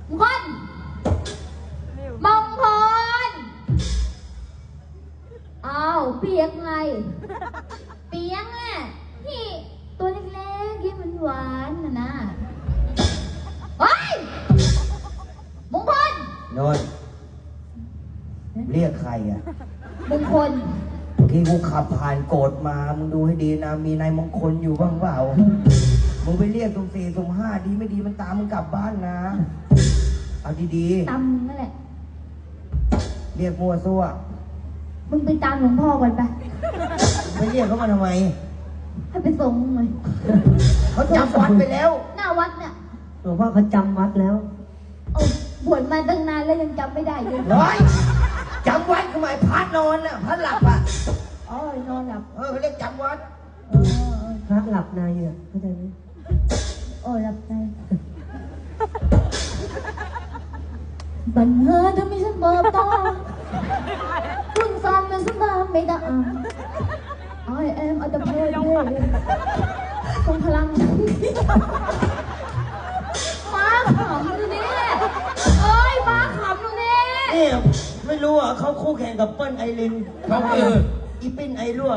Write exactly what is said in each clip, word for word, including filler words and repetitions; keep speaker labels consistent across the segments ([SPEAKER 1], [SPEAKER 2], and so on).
[SPEAKER 1] มงคลมงคลอ้าวเปียกไงเปียกอ่ะที่ตัวเล็กๆยิ้มหวานๆน่ะนะเฮ้ยมงคล
[SPEAKER 2] นอนเรียกใครอ่ะ
[SPEAKER 1] มงคล
[SPEAKER 2] เมื่อกี้กูขับผ่านโกรธมามึงดูให้ดีนะมีนายมงคลอยู่บ้างเปล่ามึงไปเรียกตรงสี่ตรงห้าดีไม่ดีมันตามมึงกลับบ้านนะเอาดี
[SPEAKER 1] ๆตามนั่นแหละ
[SPEAKER 2] เรียกมั่วซั่ว
[SPEAKER 1] มึงไปตามหลวงพ่อก่อนไป
[SPEAKER 2] ไม่เรียกเขามาทำไม
[SPEAKER 1] ให้ไปส่งมึงเลย
[SPEAKER 2] เขาจำวัดไปแล้ว
[SPEAKER 1] หน้าวัดเนี่ย
[SPEAKER 3] หลวงพ่อเขาจำวัดแล้ว
[SPEAKER 1] โอ้บวชมาตั้งนานแล้วยังจำไม่ได้เลย
[SPEAKER 2] ร้อยจำวัดทำไมพัดนอนน่ะพัดหลับอ่ะ
[SPEAKER 1] อ๋อนอนหลับ
[SPEAKER 2] เออเขาเรียกจำวัด
[SPEAKER 1] เออ
[SPEAKER 3] พระหลับในอ่ะเข้าใจไหม
[SPEAKER 1] โอ้หลับในบังเอิญทำให้ฉันเบิกตาคุณซ้ำเป็นสัมภาระไม่ได้ I am at the play ทรงพลังมาขำดูนี่เอ้ยมาขำดูนี่
[SPEAKER 2] นี่ไม่รู้อ่ะเขาคู่แข่งกับเปิ้ลไอรินเขาคืออีปิ้นไอรั่ว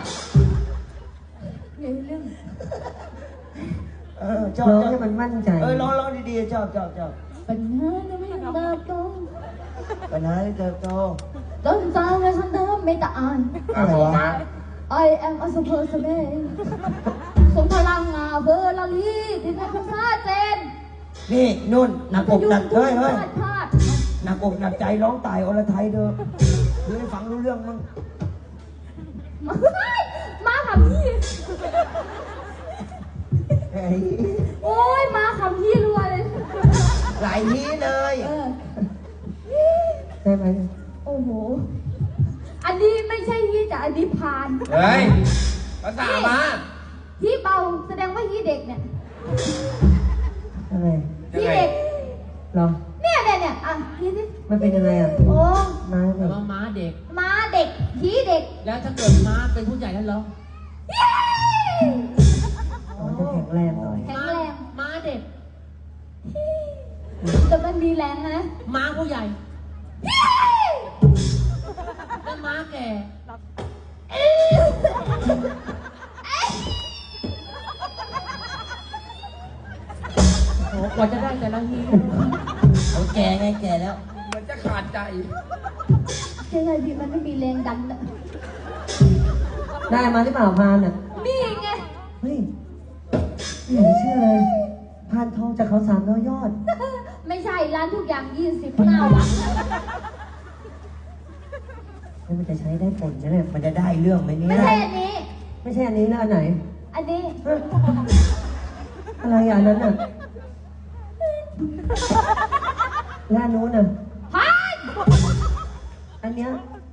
[SPEAKER 1] เรื่องเรื่อง
[SPEAKER 2] เออชอบ
[SPEAKER 3] ร้องให้มันมั่นใจ
[SPEAKER 2] เออร้องร้องดีๆชอบชอบชอบ
[SPEAKER 1] ปัญหาจะไม่เติบโต
[SPEAKER 2] ปัญหาที่เติบโต
[SPEAKER 1] ต้นสาวและฉันเดิมไม่ตาย
[SPEAKER 2] อะไรวะ
[SPEAKER 1] I am a super man สมพลังงาเบอร์ลาลีที่ในภาษาเจน
[SPEAKER 2] นี่นุ่นหนักอกหนักเฮ้ยเฮ้ยหนักอกหนักใจร้องตายอรไทยเด้อเพื่อให้ฟังรู้เรื่องมั้ง
[SPEAKER 1] มาขำพี่โอ้ยมาขำพี่รัวเลย
[SPEAKER 2] หลายทีเลย
[SPEAKER 3] ได้ไหม
[SPEAKER 1] โอ้โหอันนี้ไม่ใช่ฮีแต่อันนี้พาน
[SPEAKER 2] เฮ้ยภาษามา
[SPEAKER 1] ฮีเบาแสดงว่าฮีเด็กเนี่ย
[SPEAKER 3] อะไร
[SPEAKER 1] ฮีเด็ก
[SPEAKER 3] หรอ
[SPEAKER 1] เนี่ยเนี่ยเนี่ยอ่ะฮีสิ
[SPEAKER 3] มันเป็นยังไงอ่ะ
[SPEAKER 1] โอ้
[SPEAKER 3] ม้าเด็ก
[SPEAKER 4] ม้าเด็ก
[SPEAKER 1] ม้าเด็กฮีเด็ก
[SPEAKER 4] แล้วถ้าเกิดม้าเป็นผู้ใหญ่แล้วเหรอ
[SPEAKER 3] อ๋อจะแข็งแรงหน่อย
[SPEAKER 1] แข็งแรง
[SPEAKER 4] ม้าเด็ก
[SPEAKER 1] แต่มันมีแรงนะ
[SPEAKER 4] ม้าผู้ใหญ่แล้วม้าแก่โอ้กว่าจะได้แต่ละที
[SPEAKER 2] เขาแก่ไงแก่แล้ว
[SPEAKER 4] มันจะขาดใจ
[SPEAKER 1] ใช่ไงพี่มันไม่มีแรงดันอะ
[SPEAKER 3] ได้มาหรือเปล่าพานอ่ะ
[SPEAKER 1] นี่ไง
[SPEAKER 3] เฮ้ยไม่เชื่อเลยพานทองจากเขาสามร้อยยอด
[SPEAKER 1] ไม่ใช่ร้านทุกอย่างยี่สิบเก้าบาท
[SPEAKER 3] แล้วมันจะใช้ได้ผลนะเนี่ย
[SPEAKER 2] มันจะได้เรื่องไหมเนี่ย
[SPEAKER 1] ไม่ใช่อันนี้
[SPEAKER 3] ไม่ใช่อันนี้แล้วอันไหน
[SPEAKER 1] อันนี้
[SPEAKER 3] อะไรอันนั้นอ่ะแล้วอันนู้นอ่ะ
[SPEAKER 1] พัน
[SPEAKER 3] อันเนี้ย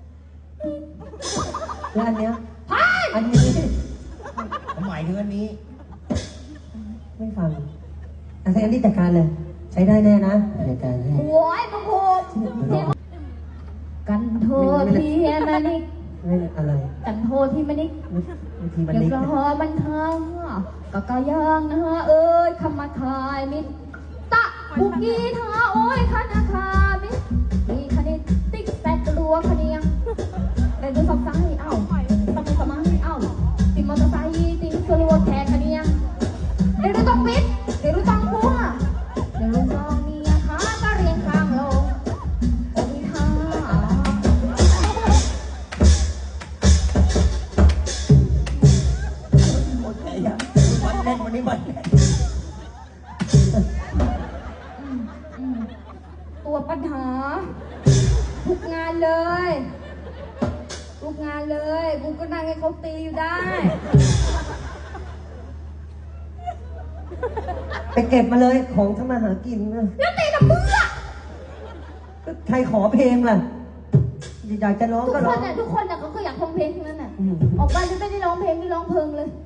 [SPEAKER 3] แล้วอันเนี้ย
[SPEAKER 1] พัน
[SPEAKER 3] อันนี้
[SPEAKER 2] หมายถึงอันนี้
[SPEAKER 3] ไม่ฟังอาศัยอันนี้จัดการเลยใช้ได้แน่นะจัดการให้
[SPEAKER 1] โอ้ยพระภูมิกันโทษที่มันนิก
[SPEAKER 3] ไม่อะไร
[SPEAKER 1] กันโทษที่มันนิก
[SPEAKER 3] ทีมันนิก
[SPEAKER 1] อย่ารอมันทางก็ก็ยังนะเอ้ยคำมาทายมิตรตะบุกีทาโอ้ยคณะคามิตรมีคณิตติ๊กแตกกลัวคเนียงแต่ดูสอบไซเอ้าต้องสมัยเอ้าติมมอเตอร์ไซค์ติมสลัวแทกคเนียงเดี๋ยวต้องมิดเดี๋ยวต้องพัวเดี๋ยวลุงจองมีขาก็เรียงข้างลงโอ้ยฮ่า
[SPEAKER 2] วันแน่นวันนี้วันแน่น
[SPEAKER 1] ตัวปัญหาทุกงานเลยทุกงานเลยกูก็นั่งให้เขาตีอยู่ได้
[SPEAKER 3] ไปเก็บมาเลยของทำมาหากินนะ
[SPEAKER 1] แล้วตีกับมืออะ
[SPEAKER 3] ใครขอเพลงล่ะอยากจะร้องก็ร้อง
[SPEAKER 1] ทุกคนน่ะทุกคนน่ะเขาก็อยากร้องเพลงทั้งนั้นน่ะออกไปจะไม่ได้ร้องเพลงนี่ร้องเพลงเลย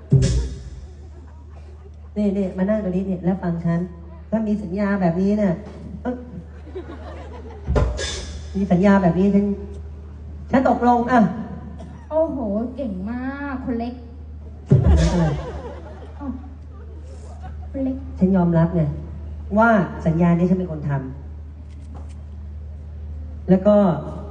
[SPEAKER 3] นี่นี่มานั่งตรงนี้เนี่ยแล้วฟังฉันถ้ามีสัญญาแบบนี้เนี่ยมีสัญญาแบบนี้ฉันฉันตกลงอ่ะ
[SPEAKER 1] โอ้โหเก่งมากคนเล็กคนเล็ก
[SPEAKER 3] ฉันยอมรับไงว่าสัญญานี้ฉันเป็นคนทำแล้วก็